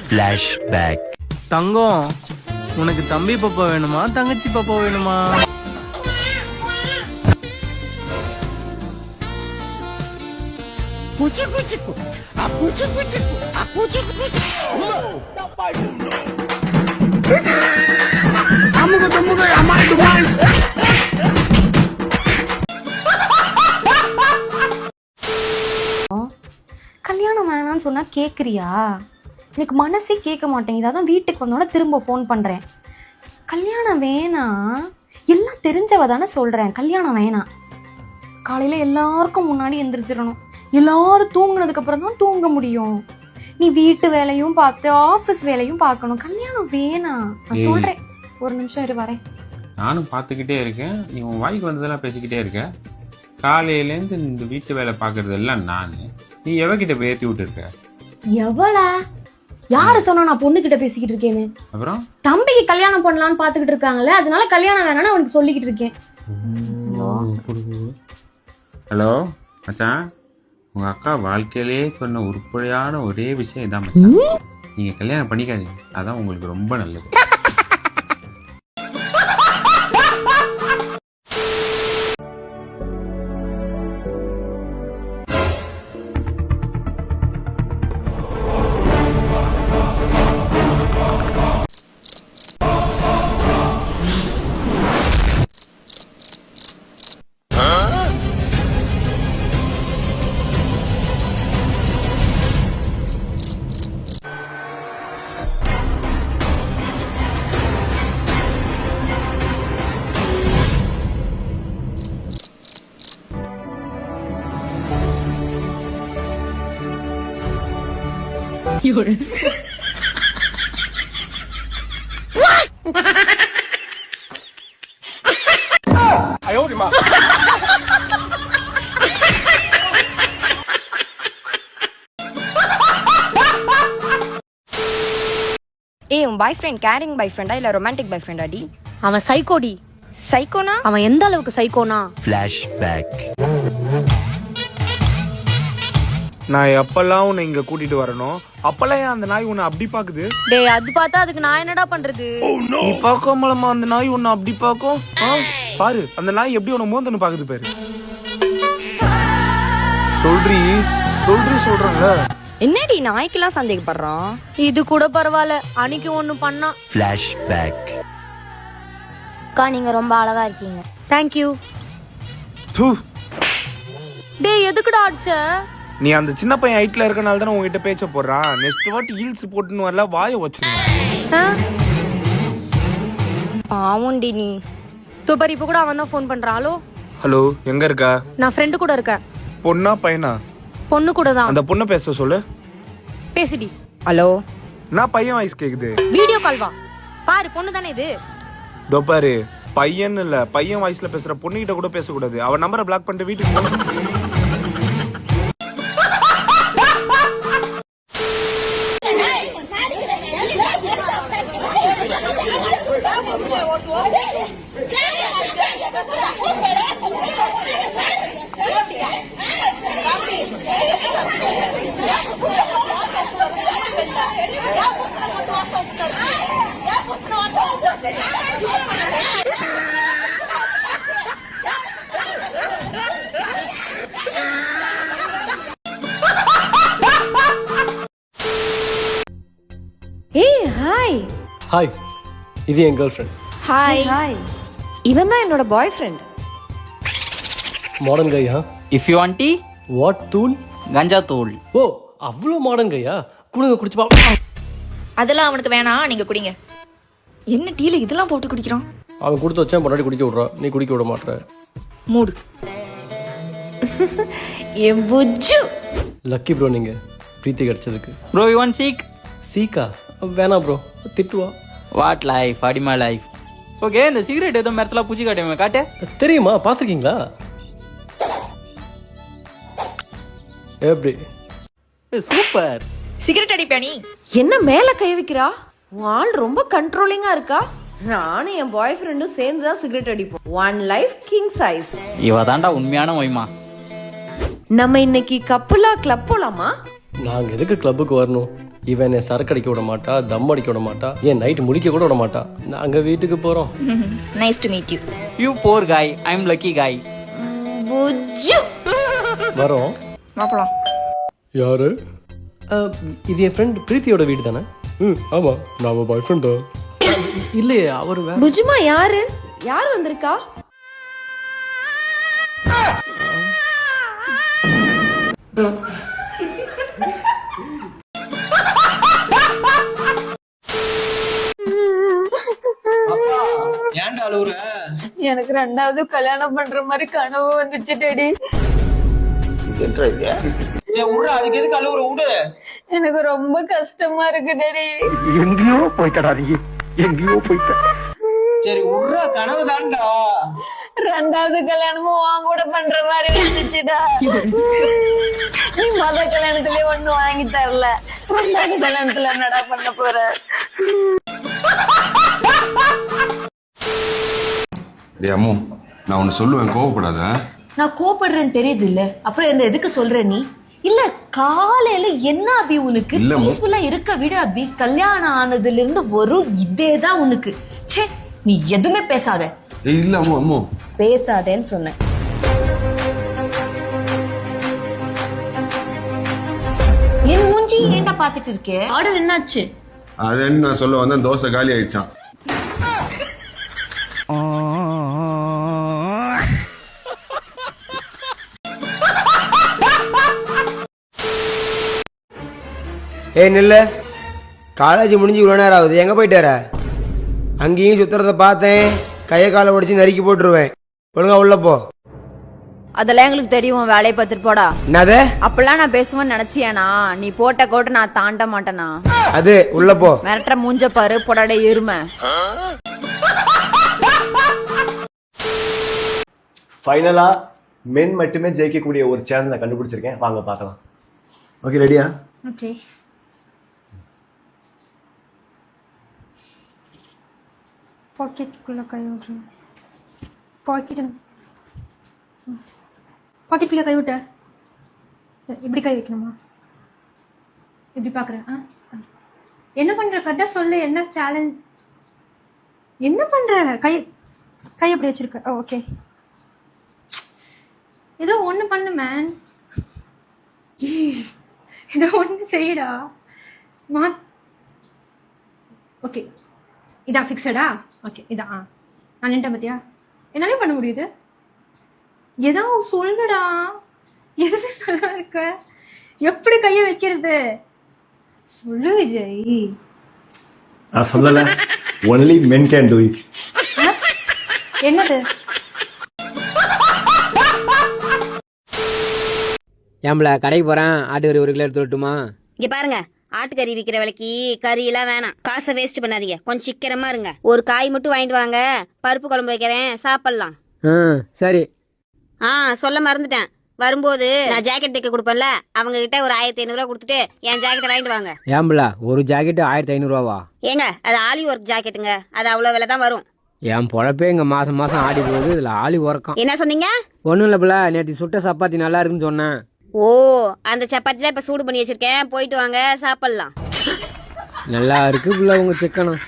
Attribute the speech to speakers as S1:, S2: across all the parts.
S1: Flashback.
S2: தங்கம், உனக்கு தம்பி பாப்பா வேணுமா தங்கச்சி பாப்பா வேணுமா?
S3: கல்யாணம் வேணான்னு சொன்னா கேக்குறியா? எனக்கு மனசே கேட்க மாட்டேங்குது. அதான் வீட்டுக்கு வந்தோடனே திரும்ப ஃபோன் பண்றேன். கல்யாணம் வேணாம், எல்லாம் தெரிஞ்சவ தானே சொல்றேன். கல்யாணம் வேணாம். காலையில எல்லாருக்கும் முன்னாடி எந்திரிச்சிடணும். எல்லாரும் தூங்குனதுக்கு அப்புறம் தான் தூங்க முடியும். நீ வீட்டு வேலையும் பார்த்து ஆஃபீஸ் வேலையும் பார்க்கணும். கல்யாணம் வேணாம். நான் சொல்றேன், ஒரு நிமிஷம் இரு வரேன்.
S4: நானும் பார்த்துக்கிட்டே இருக்கேன். நீ உன் வாய்க்கு வந்ததெல்லாம் பேசிக்கிட்டே இருக்க. காலையிலேருந்து இந்த வீட்டு வேலை பார்க்கறது எல்லாம் நான். நீ எவகிட்ட போய் ஏற்றி விட்டுருக்க?
S3: எவளா? யாரு சொன்னா நான் பொண்ணு கிட்ட பேசிக்கிட்டு இருக்கேன்னு?
S4: அப்புறம்
S3: தம்பிக்கு கல்யாணம் பண்ணலான்னு பாத்துக்கிட்டு இருக்காங்களே, அதனால கல்யாணம் வேணாம்னு அவனுக்கு சொல்லிக்கிட்டு இருக்கேன்.
S4: ஹலோ மச்சான், உங்க அக்கா வாழ்க்கையிலே சொன்ன உருப்படியான ஒரே விஷயம் இதான் மச்சான். நீங்க கல்யாணம் பண்ணிக்காதீங்க, அதான் உங்களுக்கு ரொம்ப நல்லது.
S5: ஏய், உன் பாய் ஃப்ரெண்ட் கேரிங் பாய் ஃப்ரெண்டா இல்ல ரொமான்டிக் பாய் ஃப்ரெண்டா டி?
S6: அவன் சைக்கோடி.
S5: சைக்கோனா?
S6: அவன் எந்த அளவுக்கு சைக்கோனா?
S1: Flashback.
S7: நான் எப்பெல்லாம் உன்னை இங்க கூட்டிட்டு வரணும் அப்பெல்லாம் ஏன் அந்த நாய் உன்னை அப்படி பாக்குது?
S6: டேய், அது பார்த்தா அதுக்கு நான் என்னடா பண்றது?
S7: நீ பார்க்காமலமா அந்த நாய் உன்னை அப்படி பாக்கும்? பாரு, அந்த நாய் எப்படி உன்னை மோந்தன்னு பாக்குது பாரு. சொல்றேன்ல.
S5: என்னடி நாய்க்கெல்லாம் சந்தேகப்படுறான்?
S6: இது கூட பரவாயில்ல, அன்னைக்கு ஒண்ணு பண்ணா.
S1: Flashback.
S5: அக்கா, நீங்க ரொம்ப அழகா இருக்கீங்க.
S6: தேங்க்யூ. டேய், எதுக்குடா அடிச்ச?
S7: நீ அந்த சின்ன பையன் ஹைட்ல இருக்கனால தானே உங்ககிட்ட பேச்ச போடுறான். நெக்ஸ்ட் வாட்டி ஹீல்ஸ் போட்டுன்னு வரல, வாயை வச்சிருந்தேன்.
S5: பாவுண்டி நீ.
S6: தூப்பர், இப்ப கூட அவன் தான் ஃபோன் பண்றான்.
S7: ஹலோ, எங்க இருக்கா?
S6: நான் ஃப்ரெண்டு கூட இருக்கேன்.
S7: பொண்ணா பையனா?
S6: பொண்ணு கூட தான்.
S7: அந்த பொண்ணை பேச சொல்லு.
S6: பேசுடி.
S5: ஹலோ.
S7: நான் பையன் வாய்ஸ் கேக்குது.
S6: வீடியோ கால் வா. பாரு, பொண்ணு தானே இது.
S7: தோ பாரு, பையன் இல்ல, பையன் வாய்ஸ்ல பேசுற பொண்ணுகிட்ட கூட பேசக்கூடாது. அவன் நம்பரை பிளாக் பண்ணிட்டு வீட்டுக்கு போ.
S3: ஏய் ஹாய்.
S8: ஹாய், இது என் கேர்ள் ஃப்ரெண்ட்.
S5: ஹாய்.
S3: ஹாய். இவன் தான் என்னோட பாய் ஃப்ரெண்ட்.
S8: மாடர்ன் கையா?
S9: If you want tea,
S8: what தூள்?
S9: கஞ்சா தூள்.
S8: ஓ, அவ்வளோ மாடர்ன் கையா? குடுங்க, குடிச்சு பா.
S10: அதெல்லாம் அவனுக்கு வேணாம், நீங்க குடிங்க. என்ன டீல இதெல்லாம் போட்டு குடிக்கிறான்?
S8: அவன் கொடுத்து வச்சேன், பொண்டாட்டி குடிக்க விட்றான், நீ குடிக்க விட மாட்டேற.
S10: மூடு. என் புஜ்ஜு.
S8: லக்கி ப்ரோ நீங்க பிரீத்தி கிடைச்சதுக்கு.
S9: ப்ரோ யூ வாண்ட் சீக்?
S8: சீக்கா? வேணாம் ப்ரோ, திட்டுவா.
S9: வாட் லைஃப், அடிமா லைஃப். ஓகே, இந்த சிகரெட் ஏதோ மெர்சலா பூச்சி காட்டுவேன், காட்டு.
S8: தெரியுமா, பார்த்துருக்கீங்களா? எப்படி?
S9: சூப்பர்.
S10: சிகரெட் அடிப்பா நீ?
S3: என்ன மேல கை வைக்கிறா? உன் ஆள் ரொம்ப கண்ட்ரோலிங்கா இருக்கா. நானும் என் பாய் ஃப்ரெண்டும் சேர்ந்து தான் சிகரெட் அடிப்போம். One life king size.
S9: இவ தாண்டா உண்மையான ஒய்மா.
S3: நம்ம இன்னைக்கு கப்புலா கிளப் போலாமா?
S8: நாங்கள் எதுக்கு கிளப்புக்கு வரணும்? இவன் என்னை சரக்கு அடிக்க விட மாட்டா, தம் அடிக்க விட மாட்டா, ஏன் நைட்டு முடிக்க கூட விட மாட்டா. நாங்கள் வீட்டுக்கு போகிறோம்.
S10: Nice to meet you.
S9: You poor guy, I M lucky காய்.
S10: புஜ்ஜு.
S8: வரோம்.
S10: மாப்பலாம்.
S8: யாரு? இது என் ஃப்ரெண்ட் பிரீத்தியோட வீடு தானே? ஆமாம், நான் அவள் பாய் ஃப்ரெண்ட் தான். இல்லையே, அவர் வேற.
S3: புஜுமா யாரு? யார் வந்திருக்கா?
S9: ஏன்டா அழுவுற?
S3: எனக்கு 2வது கல்யாணம் பண்ற மாதிரி கனவு வந்துச்சு டேடி.
S9: சரி விடு, அதுக்கு எதுக்கு அழுவுற? விடு.
S3: எனக்கு ரொம்ப கஷ்டமா இருக்கு டேடி.
S7: எங்கேயோ போயிட்டடா நீ, எங்கேயோ போயிட்ட.
S9: சரி விடுற, கனவு தான்டா.
S3: 2வது கல்யாணமும் வாங்க கூட பண்ற மாதிரி வந்துச்சுடா. நீ மொத கல்யாணத்திலே ஒண்ணு வாங்கி தரல, 2வது கல்யாணத்துல என்னடா பண்ண போற?
S11: டேய் அம்மு, நான் ஒன்று சொல்லுவேன், கோவப்படாத.
S6: நான் கோபப்படுறேன்னு தெரியுது இல்ல, அப்புறம் என்ன எதுக்கு சொல்ற நீ? இல்ல காலையில என்ன அபி உனக்கு?
S11: இல்ல,
S6: பீஸ்ஃபுல்லா இருக்க விட அபி. கல்யாணம் ஆனதுல இருந்து வரும் இதேதான் உனக்கு. ச்சே, நீ எதுவுமே பேசாத.
S11: ஏய் இல்ல அம்மு, அம்மு
S6: பேசாதேன்னு சொன்னேன். என் மூஞ்சி ஏன்டா பாத்துட்டு இருக்கே? ஆர்டர் என்னாச்சு?
S11: அதேன்னு நான் சொல்ல வந்தேன், தோசை காலி ஆயிடுச்சான்.
S12: ஏய் நில்லு, காலேஜ் முடிஞ்சு இவ்வளோ நேரம் ஆகுது, எங்கே போயிட்டு வர? அங்கேயும் சுத்துறத பார்த்தேன், கையை காலை உடைச்சு நறுக்கி போட்டுருவேன். ஒழுங்கா உள்ள போ.
S5: அதெல்லாம் எங்களுக்கு தெரியும், வேலையை பார்த்துட்டு போடா.
S12: என்னது?
S5: அப்பெல்லாம் நான் பேசுவேன்னு நினைச்சியானா? நீ போட்ட கோட்டை நான் தாண்ட மாட்டேனா?
S12: அது உள்ள போ.
S5: மிரட்டுற மூஞ்ச பாரு, போடாடே எருமை.
S8: ஃபைனலாக மென் மட்டுமே ஜெயிக்கக்கூடிய ஒரு சேனல் நான் கண்டுபிடிச்சிருக்கேன், வாங்க பார்க்கலாம். ஓகே, ரெடியா?
S3: ஓகே. பாக்கெட்டுக்குள்ள கை விட்றேன். பாக்கெட்டுக்குள்ள கை விட்ட. இப்படி கை வைக்கணுமா? இப்படி பார்க்குறேன். என்ன பண்ணுற? கரெக்டாக சொல்லு, என்ன சேலஞ்ச்? என்ன பண்ணுற? கை அப்படி வச்சிருக்க. ஓகே, ஏதோ ஒன்று பண்ணு மேன். ஏதோ ஒன்று செய்யடா. ஓகே, இதான் ஃபிக்ஸடா? ஓகே, இதான். நான் நின்ட்டேன் பார்த்தியா? என்னாலே பண்ண முடியுது. ஏதாவது சொல்லுடா. எதுவே சொல்ல இருக்க? எப்படி கையை வைக்கிறது? சொல்லு விஜய்.
S8: நான் சொல்லலை, only men can do it.
S3: என்னது?
S12: ஏம்பல கடைக்கு போகிறேன், ஆட்டுக்கறி 1 கிலோ எடுத்து வரட்டுமா?
S6: இங்க பாருங்க, ஆட்டுக்கறி விற்கிற விலைக்கு கறி எல்லாம் வேணாம். காசை வேஸ்ட் பண்ணாதீங்க, கொஞ்சம் சிக்கனமா இருங்க. ஒரு காய் மட்டும் வாங்கிட்டு வாங்க, பருப்பு குழம்பு வைக்கிறேன், சாப்பிடலாம்.
S12: சரி.
S6: சொல்ல மறந்துட்டேன், வரும்போது நான் ஜாக்கெட் தைக்க கொடுப்பேன்ல, அவங்க கிட்ட ஒரு 1500 ரூபா கொடுத்துட்டு என் ஜாக்கெட்டை வாங்கிட்டு வாங்க.
S12: ஏம்பல ஒரு ஜாக்கெட்டு 1500 ரூபாவா?
S6: ஏங்க, அது ஆலி ஒர்க் ஜாக்கெட்டுங்க, அது அவ்வளவு விலை தான் வரும்.
S12: என் பொழப்பே இங்கே மாதம் ஆடி போகுது, இதில் ஆளி உறக்கம்.
S6: என்ன சொன்னீங்க?
S12: ஒன்றும் இல்லை பிள்ளை, நேற்று சுட்ட சப்பாத்தி நல்லா இருக்குன்னு சொன்னேன்.
S6: ஓ, அந்த சப்பாத்தி தான் இப்ப சூடு பண்ணி வச்சிருக்கேன், போயிட்டு வாங்க, சாப்பிடலாம்.
S12: நல்லா இருக்கு பிள்ளை உங்க சிக்கனம்.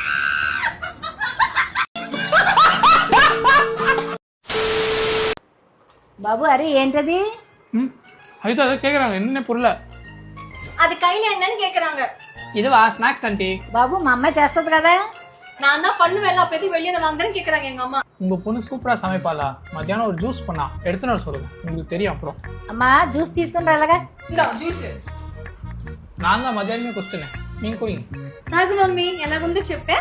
S6: பாபு, அரே ఏంటది?
S2: అయితే అదే కేకుறாங்க, என்ன புரியல.
S6: అది கையில என்னன்னு கேக்குறாங்க.
S2: இதுவா ஸ்நாக்ஸ் ஆண்டி?
S6: బాబు, మా అమ్మ చేస్తది కదా, நான் தான் பண்ணுவேன், அப்ப எதுக்கு வெளியே வாங்குறேன்னு கேக்குறாங்க எங்க அம்மா.
S2: உங்க பொண்ணு சூப்பரா சமைப்பாளா? மத்தியானம் ஒரு ஜூஸ் பண்ணா, எடுத்துன்னு வர சொல்லுங்க, உங்களுக்கு தெரியும். அப்புறம்
S6: అమ్మా జ్యూస్ తీసుకుని రాలగా. இந்த జ్యూస్
S2: நான் தான் மத்தியானமே குடிச்சிட்டேன், நீங்க குடிங்க.
S6: నాకు మమ్మీ ఎలా ఉందో చెప్పే.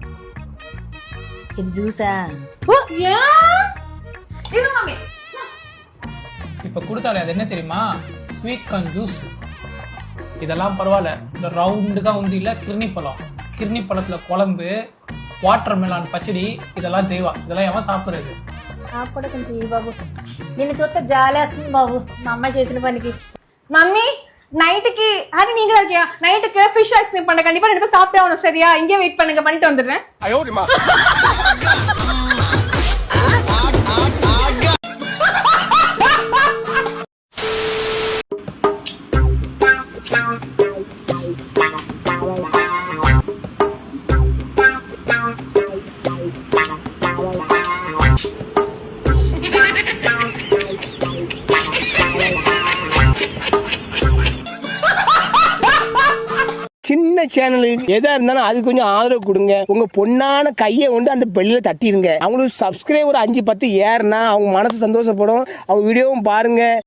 S6: ఇది జ్యూసా? ఓ యా, இது மம்மி
S2: இப்ப கொடுத்தாலே அது என்ன தெரியுமா? Sweet corn juice. இதெல்லாம் பரவாயில்ல, இந்த ரவுண்டுக்கா உந்து இல்ல கிர்னி பழம், கிர்னி பழத்துல குழம்பு, வாட்டர் மெலான் பச்சடி, இதெல்லாம் செய்வா. இதெல்லாம் எவன் சாப்பிடுறது?
S6: నాకు కూడా కొంచెం ఈ బాబు, నిన్ను చూస్తే జాలేస్తుంది బాబు, మా అమ్మ చేసిన పనికి.
S3: மம்மி நைட்டுக்கு அது நீங்க தான் இருக்கியா? நைட்டுக்கு ஃபிஷ் ஐஸ்கிரீம் பண்ண, கண்டிப்பா 2 பேரும் சாப்பிட்டே ஆகணும், சரியா? இங்கே வெயிட் பண்ணுங்க, பண்ணிட்டு வந்துடுறேன்.
S12: சின்ன சேனலுக்கு எதா இருந்தாலும் அது கொஞ்சம் ஆதரவு கொடுங்க. உங்க பொண்ணான கையை கொண்டு அந்த பெல்லில தட்டிடுங்க. அவங்களுக்கு சப்ஸ்கிரைபர் 5-10 ஏறுனா அவங்க மனசு சந்தோஷப்படும். அவங்க வீடியோவும் பாருங்க.